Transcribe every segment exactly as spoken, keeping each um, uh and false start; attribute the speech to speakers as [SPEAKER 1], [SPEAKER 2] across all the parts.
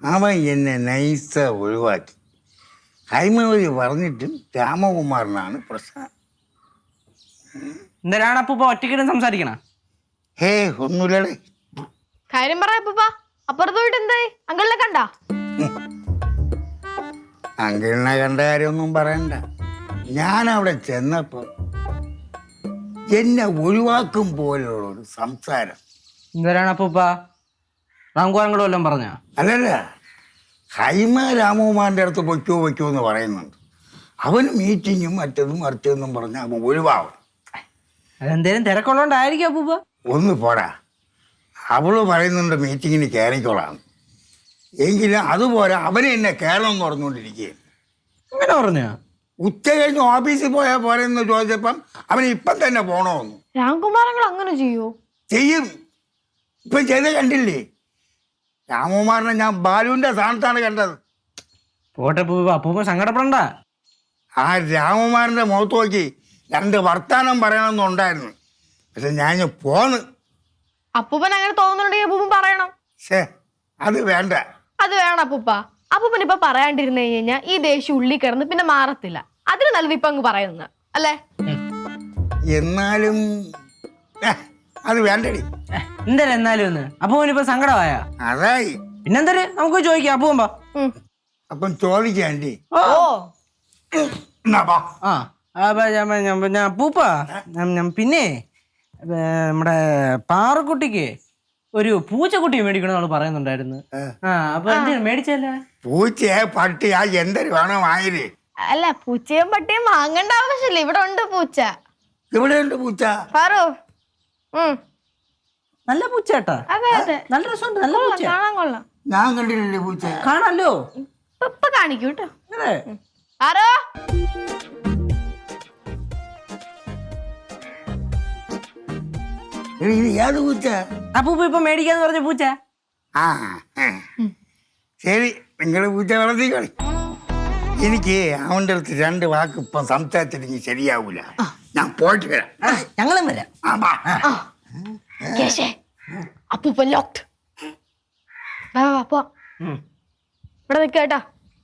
[SPEAKER 1] അവൻ എന്നെ നൈസ ഒഴിവാക്കി. ഹൈമവതി പറഞ്ഞിട്ടും രാമകുമാറിനാണ് പ്രശ്നം.
[SPEAKER 2] എന്തിനാണ് അപ്പൂപ്പ ഒറ്റയ്ക്കിടും സംസാരിക്കണ?
[SPEAKER 1] ഹേ ഒന്നുമില്ലടേ.
[SPEAKER 3] കാര്യം പറ അപ്പൂപ്പ. അപ്പുറത്ത് പോയിട്ട് എന്തായി? അങ്കിളിനെ കണ്ട?
[SPEAKER 1] അങ്കിളിനെ കണ്ട കാര്യമൊന്നും പറയണ്ട. ഞാൻ അവിടെ ചെന്നപ്പോ എന്നെ ഒഴിവാക്കും പോലുള്ള ഒരു സംസാരം.
[SPEAKER 2] എന്തിനാണ് അപ്പൂപ്പ? റാംകുമാരങ്ങളോ വല്ലതും പറഞ്ഞ?
[SPEAKER 1] അല്ലല്ല, ഹൈമ രാമകുമാറിൻ്റെ അടുത്ത് പൊയ്ക്കോ പൊയ്ക്കോ എന്ന് പറയുന്നുണ്ട്. അവന് മീറ്റിങ്ങും മറ്റതും മറിച്ചതെന്നും പറഞ്ഞ് അവൻ ഒഴിവാകും.
[SPEAKER 2] അതെന്തേലും തിരക്കുള്ളതുകൊണ്ടായിരിക്കും അപ്പൂപ്പ.
[SPEAKER 1] ഒന്ന് പോരാ, അവള് പറയുന്നുണ്ട് മീറ്റിങ്ങിന് കയറിക്കോളാം. എങ്കിലും അതുപോലെ അവനെ എന്നെ കയറണം എന്ന് പറഞ്ഞുകൊണ്ടിരിക്കുകയും.
[SPEAKER 2] അങ്ങനെ പറഞ്ഞോ?
[SPEAKER 1] ഉച്ച കഴിഞ്ഞ് ഓഫീസിൽ പോയാൽ പോരെന്ന് ചോദിച്ചപ്പം അവന് ഇപ്പം തന്നെ പോണമെന്ന്.
[SPEAKER 3] രാംകുമാരങ്ങൾ അങ്ങനെ ചെയ്യോ?
[SPEAKER 1] ചെയ്യും. ഇപ്പം ചെയ്ത് കണ്ടില്ലേ? രാമകുമാറിനെ ഞാൻ ബാലുവിൻ്റെ സ്ഥാനത്താണ് കണ്ടത്.
[SPEAKER 2] പോട്ടെ അപ്പൂപ്പ, അപ്പൂപ്പ സങ്കടപ്പെടണ്ട.
[SPEAKER 1] ആ രാമകുമാറിൻ്റെ മുഖത്ത് നോക്കി രണ്ട് വർത്താനം പറയണമെന്നുണ്ടായിരുന്നു. പക്ഷെ ഞാൻ പോന്ന്.
[SPEAKER 3] അപ്പൂപ്പൻ അങ്ങനെ തോന്നുന്നുണ്ടെങ്കിൽ അപ്പൂപ്പൻ പറയണം.
[SPEAKER 1] ശേ, അത് വേണ്ട.
[SPEAKER 3] അത് വേണം അപ്പൂപ്പ. അപ്പൂപ്പൻ ഇപ്പൊ പറയാണ്ടിരുന്നു കഴിഞ്ഞാൽ ഈ ദേഷ്യം ഉള്ളി കിടന്ന് പിന്നെ മാറത്തില്ല. അതിന് നല്ലത് ഇപ്പൊ അങ്ങ് പറയുന്നത് അല്ലേ?
[SPEAKER 1] എന്നാലും അത് വേണ്ടടി.
[SPEAKER 2] എന്തായാലും എന്നാലും ഒന്ന് അപ്പൂപ്പനിപ്പോ സങ്കടമായ
[SPEAKER 1] അതായി.
[SPEAKER 2] പിന്നെന്തായാലും നമുക്ക് ചോദിക്കാം അപ്പൂപ്പ.
[SPEAKER 1] അപ്പം ചോദിക്കാണ്ടി.
[SPEAKER 3] ഓ
[SPEAKER 2] ആ അപ്പൂപ്പ, പിന്നെ നമ്മുടെ പാറക്കുട്ടിക്ക് ഒരു പൂച്ചക്കുട്ടി മേടിക്കണമെന്നാണ് പറയുന്നുണ്ടായിരുന്നു. ആ അപ്പൊ എന്തെങ്കിലും മേടിച്ചല്ലേ?
[SPEAKER 1] പൂച്ചയെ പട്ടിയാ എന്തൊരു വേണം വാങ്ങിര്.
[SPEAKER 3] അല്ല, പൂച്ചയും പട്ടിയും വാങ്ങേണ്ട ആവശ്യമില്ല. ഇവിടെ ഉണ്ട് പൂച്ച.
[SPEAKER 1] ഇവിടെ ഉണ്ട് പൂച്ച.
[SPEAKER 3] പാറു,
[SPEAKER 2] നല്ല പൂച്ച കേട്ടാ.
[SPEAKER 3] അതെ അതെ,
[SPEAKER 2] നല്ല രസമുണ്ട്. നല്ല പൂച്ച
[SPEAKER 3] കാണാൻ കൊള്ളാം.
[SPEAKER 1] ഞാൻ കണ്ടിട്ടില്ലേ പൂച്ച?
[SPEAKER 2] കാണാലോ.
[SPEAKER 3] ഇപ്പൊ കാണിക്കൂ കേട്ടോ.
[SPEAKER 2] അതെ.
[SPEAKER 3] ആരോ
[SPEAKER 1] ഏത് പൂച്ച?
[SPEAKER 2] അപ്പൂപ്പ ഇപ്പൊ മേടിക്കാന്ന് പറഞ്ഞ പൂച്ച.
[SPEAKER 1] ആ ശരി, നിങ്ങള് പൂച്ച വളർത്തിക്കളി. എനിക്ക് അവൻ്റെ അടുത്ത് രണ്ട് വാക്ക് ഇപ്പം സംസാരിച്ചിട്ടെങ്കിൽ ശരിയാവൂല. ഞാൻ പോയിട്ട് വരാം.
[SPEAKER 2] ഞങ്ങളും വരാം.
[SPEAKER 3] അപ്പൂപ്പൻ ലോക്ക്ഡ്. ഇവിടെ നിൽക്ക കേട്ടാ.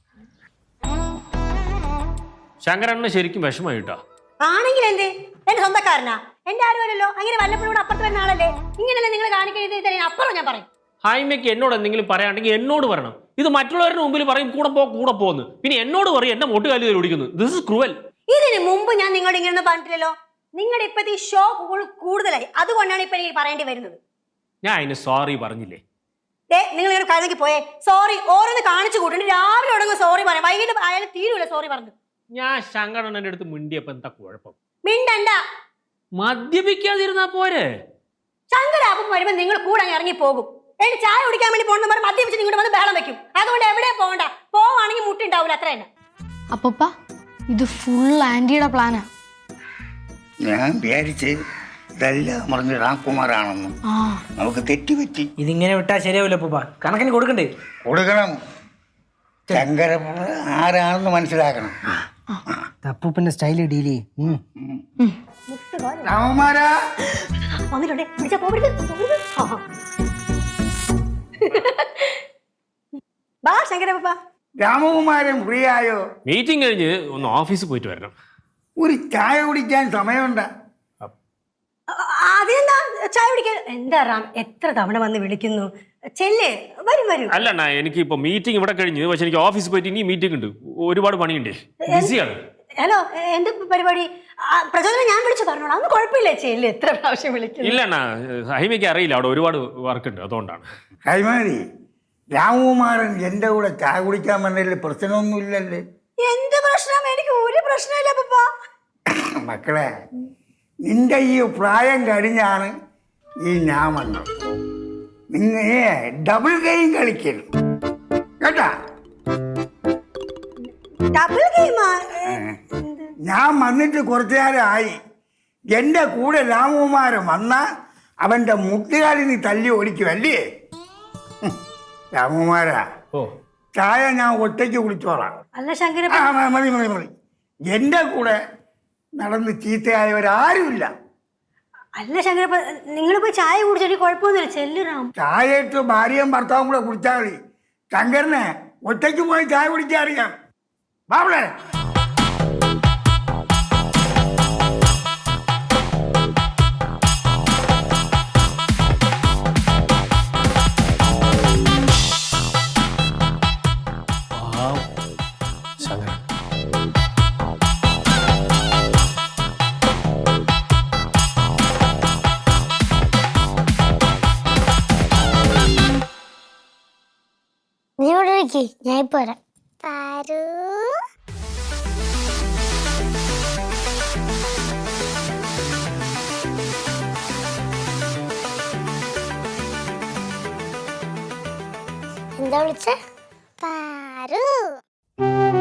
[SPEAKER 4] ശങ്കരണ്ണന് ശരിക്കും വിഷമായിട്ടോ?
[SPEAKER 5] ആണെങ്കിൽ എന്തേ, എന്റെ സ്വന്തക്കാരനാ, എന്റെ ആരുമല്ലോ. അങ്ങനെ വല്ലപ്പോഴും അപ്പുറത്ത് വരുന്ന ആളല്ലേ. ഇങ്ങനെയല്ലേ നിങ്ങൾ കാണിക്കുന്നത്? അപ്പുറം ഞാൻ പറയും.
[SPEAKER 4] ഹൈമയ്ക്ക് എന്നോട് എന്തെങ്കിലും പറയാണ്ടെങ്കിൽ എന്നോട് പറയണം. ഇത് മറ്റുള്ളവരുടെ മുമ്പിൽ പറയും കൂടെ പോ കൂടെ പോന്ന്, പിന്നെ എന്നോട് പറയും എന്നെ മൊട്ടുകാലി ഓടിക്കുന്നു. This is cruel.
[SPEAKER 5] ഇതിന് മുമ്പ് ഞാൻ നിങ്ങളോട് ഇങ്ങനെ പറഞ്ഞിട്ടില്ലല്ലോ. നിങ്ങളുടെ ഇപ്പത്തെ ഈ ഷോ കൂടുതലായി, അതുകൊണ്ടാണ് ഇപ്പൊ എനിക്ക് പറയേണ്ടി വരുന്നത്.
[SPEAKER 4] ഞാൻ അതിന് സോറി പറഞ്ഞില്ലേ?
[SPEAKER 5] ഏ നിങ്ങൾ ഇങ്ങനെ കഴിഞ്ഞേക്ക് പോയേ. സോറി ഓരോന്ന് കാണിച്ചു കൂട്ടുണ്ട്. രാവിലെ തുടങ്ങും സോറി പറയാം, വൈകിട്ട് ആയാലും തീരുമില്ല സോറി പറഞ്ഞു.
[SPEAKER 4] ഞാൻ ശങ്കരണ്ണന്റെ അടുത്ത് മിണ്ടിയപ്പോ എന്താ കുഴപ്പം?
[SPEAKER 5] മിണ്ടണ്ട.
[SPEAKER 4] മദ്യപിക്കാതിരുന്നാ പോരെ?
[SPEAKER 5] ശങ്കരാപ്പം വരുമ്പോ നിങ്ങൾ കൂടെ ഇറങ്ങി പോകും. എന്റെ ചായ കുടിക്കാൻ വേണ്ടി പോകണമെന്ന് പറഞ്ഞ് മദ്യപിച്ച് നിങ്ങളുടെ വന്ന് ബഹളം വെക്കും. അതുകൊണ്ട് എവിടെ പോകണ്ട. പോവാണെങ്കിൽ മുട്ടുണ്ടാവില്ല, അത്ര തന്നെ.
[SPEAKER 3] അപ്പൂപ്പ, ഇത് ഫുൾ ആന്റിയുടെ പ്ലാനാ.
[SPEAKER 1] ഞാൻ വിചാരിച്ച് ഇതെല്ലാം പറഞ്ഞ് രാംകുമാറാണെന്നും നമുക്ക് തെറ്റുപറ്റി.
[SPEAKER 2] ഇതിങ്ങനെ വിട്ടാ ശരിയാവില്ല അപ്പൂപ്പ. കണക്കിന് കൊടുക്കണ്ടേ?
[SPEAKER 1] കൊടുക്കണം. ശങ്കര ആരാണെന്ന് മനസ്സിലാക്കണം.
[SPEAKER 2] അപ്പൂപ്പന്റെ സ്റ്റൈല് ഡീൽ ചെയ്യും.
[SPEAKER 1] രാമകുമാരാ
[SPEAKER 5] വന്നിട്ടുണ്ടേ, പിടിച്ചാ പോകരുത്. ബാ ശങ്കരപ്പ.
[SPEAKER 1] രാമകുമാരൻ ഫ്രീ ആയോ?
[SPEAKER 4] മീറ്റിംഗ് കഴിഞ്ഞ് ഒന്ന് ഓഫീസിൽ പോയിട്ട് വരണം.
[SPEAKER 1] ഒരു ചായ കുടിക്കാൻ സമയമുണ്ട്.
[SPEAKER 5] അതെന്താ ചായ കുടിക്കാൻ? എന്താ റാം, എത്ര തവണ വന്ന് വിളിക്കുന്നു. ചെല്ലേ, വരും വരും.
[SPEAKER 4] അല്ലണ്ണ, എനിക്ക് ഇപ്പൊ മീറ്റിംഗ് ഇവിടെ കഴിഞ്ഞ്, പക്ഷെ എനിക്ക് ഓഫീസിൽ പോയിട്ട് ഇനി മീറ്റിംഗ് ഉണ്ട്. ഒരുപാട് പണിയുണ്ട്, ബിസിയാണ്.
[SPEAKER 5] ഹലോ, എന്ത് പരിപാടി? പ്രചോദനം ഞാൻ വിളിച്ചു പറഞ്ഞോളാം. അന്ന് കുഴപ്പമില്ല. ചെല്ല്, എത്ര പ്രാവശ്യം വിളിക്കുന്നു.
[SPEAKER 4] ഇല്ലണ്ണ, ഹൈമയ്ക്ക് അറിയില്ല, അവിടെ ഒരുപാട് വർക്ക് ഉണ്ട്, അതുകൊണ്ടാണ്.
[SPEAKER 1] ഹൈമാരി, രാമകുമാരൻ എന്റെ കൂടെ ചായ കുടിക്കാൻ വന്നതിൽ പ്രശ്നമൊന്നുമില്ലല്ലേ?
[SPEAKER 5] എന്ത് പ്രശ്നം? എനിക്ക് ഒരു പ്രശ്നമില്ല പപ്പാ.
[SPEAKER 1] മക്കളെ, നിന്റെ ഈ പ്രായം കഴിഞ്ഞാണ് ഈ ഞാൻ വന്നത്. നിങ്ങൾ ഡബിൾ ഗെയിം കളിക്കരുത് കേട്ടാ.
[SPEAKER 5] ഡബിൾ ഗെയിമാ?
[SPEAKER 1] ഞാൻ വന്നിട്ട് കുറച്ചു നേരമായി. എൻ്റെ കൂടെ രാമകുമാരൻ വന്ന അവൻ്റെ മുട്ടുകാലിൽ നീ തല്ലി ഓടിക്കുമല്ലേ? രാമകുമാരാ,
[SPEAKER 4] ഓ
[SPEAKER 1] ചായ ഞാൻ ഒറ്റയ്ക്ക് കുടിച്ചോളാം.
[SPEAKER 5] അല്ല ശങ്കര,
[SPEAKER 1] മതി മതി മതി. എൻ്റെ കൂടെ നടന്ന് ചീത്തയായവരാരുമില്ല.
[SPEAKER 5] അല്ല ശങ്കരപ്പ, നിങ്ങൾ പോയി ചായ കുടിച്ചിട്ട് കുഴപ്പമൊന്നുമില്ല. ചെല്ലുറാം.
[SPEAKER 1] ചായ ഇട്ട് ഭാര്യയും ഭർത്താവും കൂടെ കുടിച്ചാൽ മതി. ശങ്കരനെ ഒറ്റയ്ക്ക് പോയി ചായ കുടിക്കാൻ അറിയാം. ബാബളെ
[SPEAKER 6] നീ ഇവിടെ ഇരിക്ക്, ഞാൻ ഇപ്പൊ വരാം. പാരു എന്താ വിളിച്ചേ? പാരു